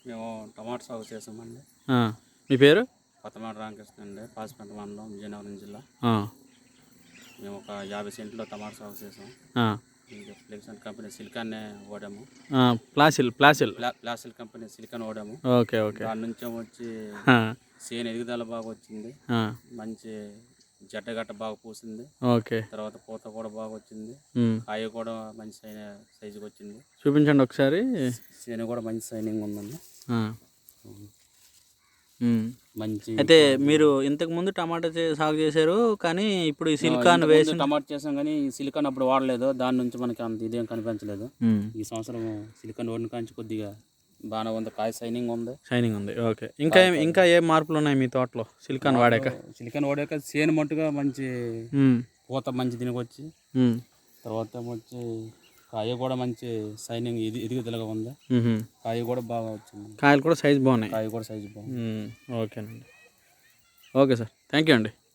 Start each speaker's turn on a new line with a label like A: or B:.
A: మేము టమాటా సాగు చేసామండి.
B: మీ పేరు?
A: కొత్తమాడ రామకృష్ణ అండి, పాసిపేట మండలం, విజయనగరం జిల్లా. మేము ఒక 50 సెంట్లో టమాటా సాగు చేసాం. ఫ్లెక్సన్ కంపెనీ సిలికాన్నే వాడాము. ప్లాసిల్ కంపెనీ సిలికాన్ వాడాము.
B: ఓకే.
A: దాని నుంచి వచ్చి చేను ఎదుగుదల బాగా వచ్చింది. మంచి జట్టగట్ట బాగా పూసింది.
B: ఓకే.
A: తర్వాత పూత కూడా బాగా వచ్చింది. కాయ కూడా మంచి సైజుకి వచ్చింది.
B: చూపించండి ఒకసారి.
A: చేను కూడా మంచి సైనింగ్ ఉందండి. మంచి.
B: అయితే మీరు ఇంతకు ముందు టమాటా సాగు చేశారు, కానీ ఇప్పుడు ఈ సిలికాన్ వేసి
A: టమాటా చేసాం, కానీ ఈ సిలికాన్ అప్పుడు వాడలేదు. దాని నుంచి మనకి అంత ఇదేం కనిపించలేదు. ఈ సంవత్సరం సిలికాన్ వాడిన కాంచి కొద్దిగా బాగానే ఉంది. కాయ షైనింగ్ ఉంది.
B: ఓకే. ఇంకా ఏ మార్పులు ఉన్నాయి మీ తోటలో సిలికాన్ వాడాక?
A: చేను మట్టుగా మంచి పూత మంచి తినకొచ్చి, తర్వాత వచ్చి కాయ కూడా మంచి షైనింగ్ ఎదుగుదలగా ఉంది. కాయ కూడా బాగా వచ్చింది.
B: కాయలు కూడా సైజు బాగున్నాయి.
A: కాయ కూడా సైజు బాగుంది.
B: ఓకేనండి. ఓకే సార్, థ్యాంక్ యూ అండి.